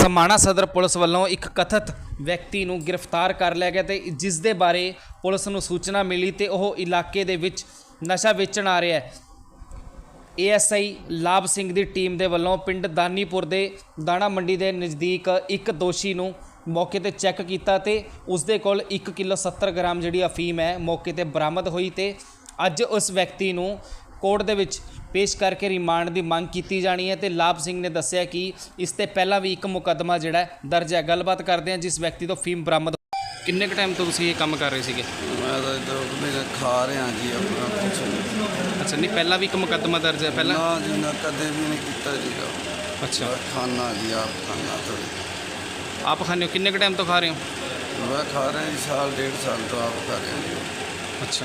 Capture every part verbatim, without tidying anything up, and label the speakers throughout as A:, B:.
A: समाणा सदर पुलिस वालों एक कथित व्यक्ति नूं गिरफ्तार कर लिया गया, तो जिस दे बारे पुलिस नूं सूचना मिली तो वह इलाके दे विच नशा वेचण आ रहा है। ए एस आई लाभ सिंह की टीम के वलों पिंड दानीपुर के दाणा मंडी के नज़दीक एक दोषी नूं मौके ते चैक किया तो उसके कोल एक किलो सत्तर ग्राम जी अफीम है मौके ते बरामद हुई। तो अज उस व्यक्ति नूं कोर्ट दे विच पेश करके रिमांड की मांग की जानी है। तो लाभ सिंह ने दस्सिया कि इससे पहला भी एक मुकदमा जिहड़ा दर्ज है। गलबात करते हैं जिस व्यक्ति तो फीम बरामद। किन्ने क टाइम तो तुसीं ये काम कर रहे थे?
B: मैं तो इधर खा रहा जी अपना कुछ।
A: अच्छा, नहीं पहला भी एक मुकदमा दर्ज है? पहला
B: ना जी मैं कदे भी नहीं किया जी।
A: अच्छा,
B: खाना जी आप खाना थोड़ी।
A: आप खाने हो? किन्ने क टाइम तो खा रहे हो?
B: मैं खा रहा जी साल डेढ़ साल तो आप खा रहे हैं।
A: अच्छा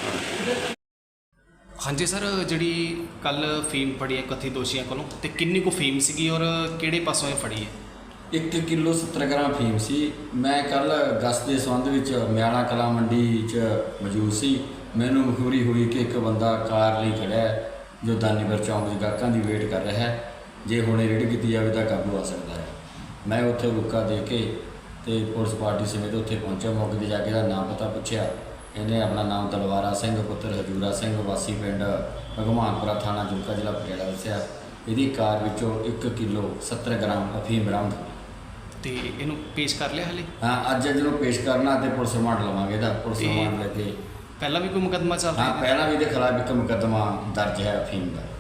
A: हाँ जी सर, जी कल फीम फड़ी है कथित दोषियों को, तो किन्नी को फीम सी और किहड़े पासों ये फड़ी है?
C: एक किलो सत्तर ग्राम फीम सी। मैं कल गश्त के संबंध में म्याणा कला मंडी च मौजूद सी। मैनू मखबूरी हुई कि एक बंदा कार लिए खड़ा है जो दानीपुर चौंक गाहकों की वेट कर रहा है, जे हुणे रेडी की जाए तो काबू आ सकता है। मैं उत्थे रुका दे के ते पुलिस पार्टी समेत उत्थे पहुंचा। मौके पर जाके इसका नाम पता पूछया। इन्हें अपना नाम तलवारा सिंह पुत्र हजूरा सिंह वासी पिंड भगवानपुरा थाना जुलका जिला पटियाला दस्सिया। यदी कार विचों एक किलो सत्तर ग्राम अफीम बरामद हुई।
A: तो इनू पेश कर लिया हाले?
C: हाँ, अज जो पेश करना तो पुलिस रिमांड लवांगे। पुलिस रिमांड लेके
A: पहला भी कोई मुकदमा चल रहा
C: हाँ,
A: है?
C: पहला भी खिलाफ एक मुकदमा दर्ज है अफीम का।